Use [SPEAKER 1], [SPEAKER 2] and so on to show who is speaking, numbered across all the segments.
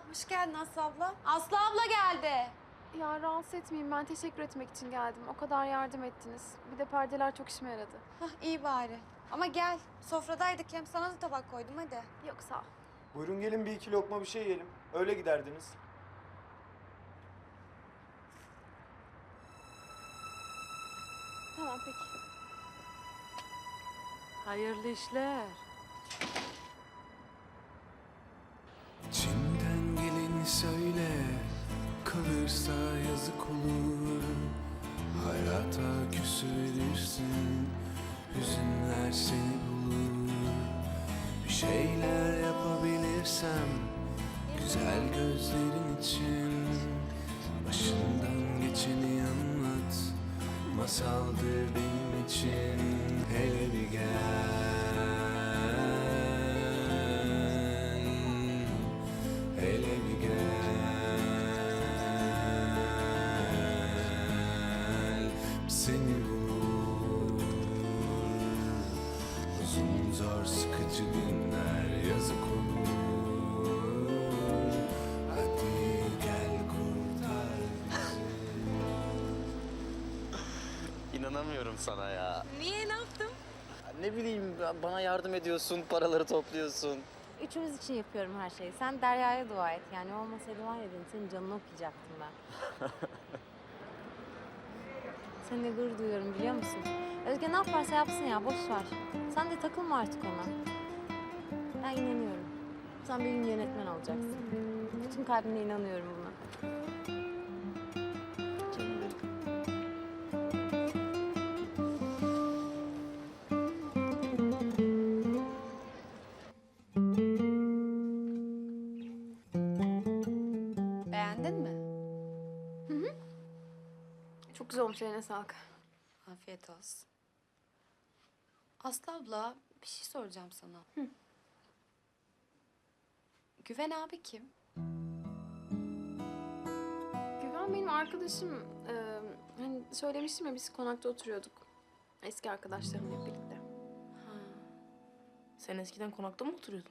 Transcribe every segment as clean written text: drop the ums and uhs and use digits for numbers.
[SPEAKER 1] Hoş geldin Aslı abla. Aslı abla geldi.
[SPEAKER 2] Ya rahatsız etmeyeyim, ben teşekkür etmek için geldim. O kadar yardım ettiniz. Bir de perdeler çok işime yaradı.
[SPEAKER 1] Hah, iyi bari. Ama gel. Sofradaydık, hem sana da tabak koydum, hadi.
[SPEAKER 2] Yok sağ ol.
[SPEAKER 3] Buyurun gelin bir iki lokma bir şey yiyelim. Öyle giderdiniz.
[SPEAKER 2] Tamam peki.
[SPEAKER 4] Hayırlı işler.
[SPEAKER 5] İçinden geleni söyle, kalırsa yazık olur. Hayata küsülürsün, hüzünler seni bulur. Bir şeyler yapabilirsem, güzel gözlerin için. Başından geçeni anlat, masaldır benim için. Hele bir gel, hele bir gel. Seni bulur, uzun zor sıkıcı günler yazık olur. Hadi gel kurtar bizi.
[SPEAKER 6] İnanamıyorum sana ya.
[SPEAKER 1] Niye, ne yaptım?
[SPEAKER 6] Ne bileyim, bana yardım ediyorsun, paraları topluyorsun.
[SPEAKER 7] Üçümüz için yapıyorum her şeyi. Sen Derya'ya dua et. Yani olmasaydı var ya benim senin canını okuyacaktım ben. Seninle gurur duyuyorum biliyor musun? Özge ne yaparsa yapsın ya, boş ver. Sen de takılma artık ona. Ben inanıyorum. Sen bir gün yönetmen olacaksın. Bütün kalbimle inanıyorum buna.
[SPEAKER 6] Canım benim.
[SPEAKER 1] Beğendin mi?
[SPEAKER 2] Çok güzel olmuş, eline sağlık.
[SPEAKER 1] Afiyet olsun. Aslı abla, bir şey soracağım sana. Güven abi kim?
[SPEAKER 2] Güven benim arkadaşım. Hani söylemiştim ya, biz konakta oturuyorduk. Eski arkadaşlarımla birlikte.
[SPEAKER 4] Sen eskiden konakta mı oturuyordun?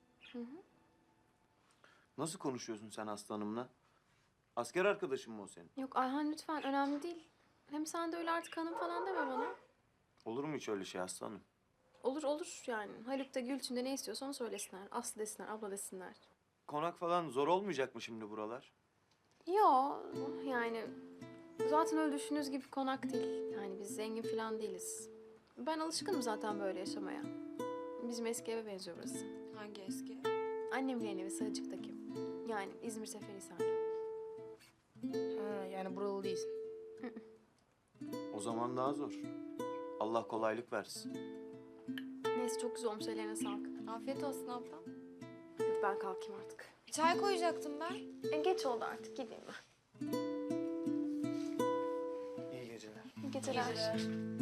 [SPEAKER 3] Nasıl konuşuyorsun sen aslanımla? Asker arkadaşın mı o senin?
[SPEAKER 2] Yok Ayhan lütfen, önemli değil. Hem sen de öyle artık hanım falan deme bana.
[SPEAKER 3] Olur mu hiç öyle şey aslanım?
[SPEAKER 2] Olur olur yani. Haluk da Gülçin de ne istiyorsa onu söylesinler. Aslı desinler, abla desinler.
[SPEAKER 3] Konak falan zor olmayacak mı şimdi buralar?
[SPEAKER 2] Yo yani zaten öyle düşündüğünüz gibi konak değil. Yani biz zengin falan değiliz. Ben alışkınım zaten böyle yaşamaya. Bizim eski eve benziyor burası.
[SPEAKER 1] Hangi eski?
[SPEAKER 2] Annemin yeni evi Sarıcık'taki. Yani İzmir Seferihisar'da.
[SPEAKER 4] Ha, yani buralı değilsin.
[SPEAKER 3] O zaman daha zor. Allah kolaylık versin.
[SPEAKER 2] Neyse çok güzel olmuş, ellerine sağlık.
[SPEAKER 1] Afiyet olsun abla.
[SPEAKER 2] Hadi ben kalkayım artık.
[SPEAKER 1] Çay koyacaktım ben.
[SPEAKER 2] Geç oldu artık, gideyim ben.
[SPEAKER 3] İyi geceler.
[SPEAKER 2] İyi geceler.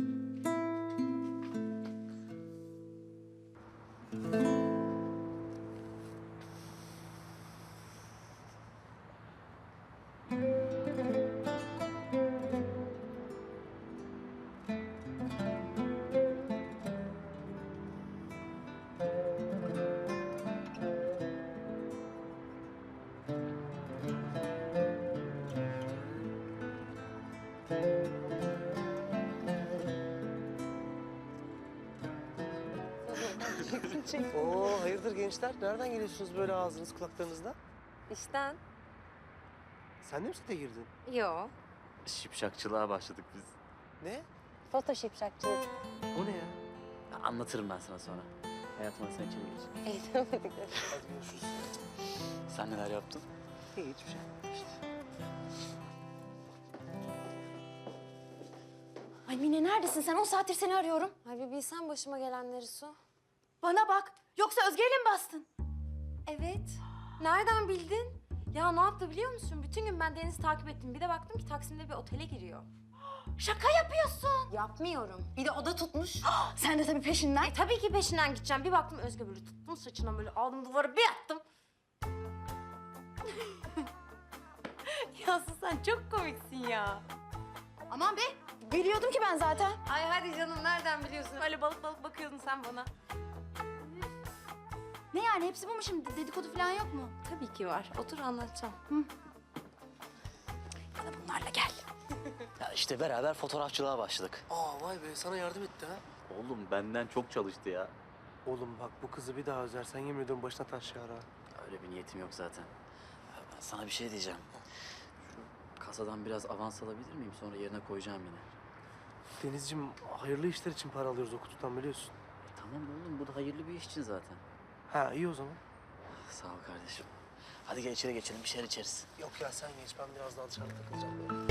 [SPEAKER 8] Oo, hayırdır gençler? Nereden geliyorsunuz böyle ağzınız kulaklarınızda?
[SPEAKER 7] İşten.
[SPEAKER 8] Sen de mi sete girdin?
[SPEAKER 7] Yo.
[SPEAKER 6] Şipşakçılığa başladık biz.
[SPEAKER 8] Ne?
[SPEAKER 7] Photoshop şapçılık.
[SPEAKER 8] O ne ya?
[SPEAKER 6] Anlatırım ben sana sonra. Hayatıma sen içeri geç.
[SPEAKER 7] Eğitemedik.
[SPEAKER 8] Hadi görüşürüz.
[SPEAKER 6] Sen neler yaptın?
[SPEAKER 8] İyi, hiçbir şey.
[SPEAKER 7] Ay Mine neredesin sen? 10 saattir seni arıyorum. Ay bir bilsen başıma gelenleri Su.
[SPEAKER 1] Bana bak, yoksa Özge'yle mi bastın?
[SPEAKER 7] Evet. Nereden bildin? Ya ne yaptı biliyor musun? Bütün gün ben Deniz'i takip ettim. Bir de baktım ki Taksim'de bir otele giriyor.
[SPEAKER 1] Şaka yapıyorsun.
[SPEAKER 7] Yapmıyorum. Bir de oda tutmuş.
[SPEAKER 1] Sen de tabii peşinden.
[SPEAKER 7] Tabii ki peşinden gideceğim. Bir baktım Özge böyle tuttum saçına böyle aldım duvara bir attım. Yasu sen çok komiksin ya.
[SPEAKER 1] Aman be, biliyordum ki ben zaten.
[SPEAKER 7] Ay hadi canım nereden biliyorsun? Öyle balık balık bakıyordun sen bana.
[SPEAKER 1] Ne yani hepsi bu mu şimdi? Dedikodu falan yok mu?
[SPEAKER 7] Tabii ki var. Otur anlatacağım.
[SPEAKER 1] Bana bunlarla gel.
[SPEAKER 6] Ya işte beraber fotoğrafçılığa başladık.
[SPEAKER 8] Aa vay be sana yardım etti ha.
[SPEAKER 6] Oğlum benden çok çalıştı ya.
[SPEAKER 8] Oğlum bak bu kızı bir daha üzersen yemin ediyorum başına taş yağar ha.
[SPEAKER 6] Öyle bir niyetim yok zaten. Ya ben sana bir şey diyeceğim. Şu kasadan biraz avans alabilir miyim? Sonra yerine koyacağım yine.
[SPEAKER 8] Denizciğim hayırlı işler için para alıyoruz o kutudan biliyorsun.
[SPEAKER 6] Tamam oğlum bu da hayırlı bir iş için zaten.
[SPEAKER 8] Ha iyi o zaman.
[SPEAKER 6] Sağ ol kardeşim. Hadi gel içeri geçelim bir şeyler içeriz.
[SPEAKER 8] Yok ya sen geç ben biraz daha dışarıda takılacağım böyle.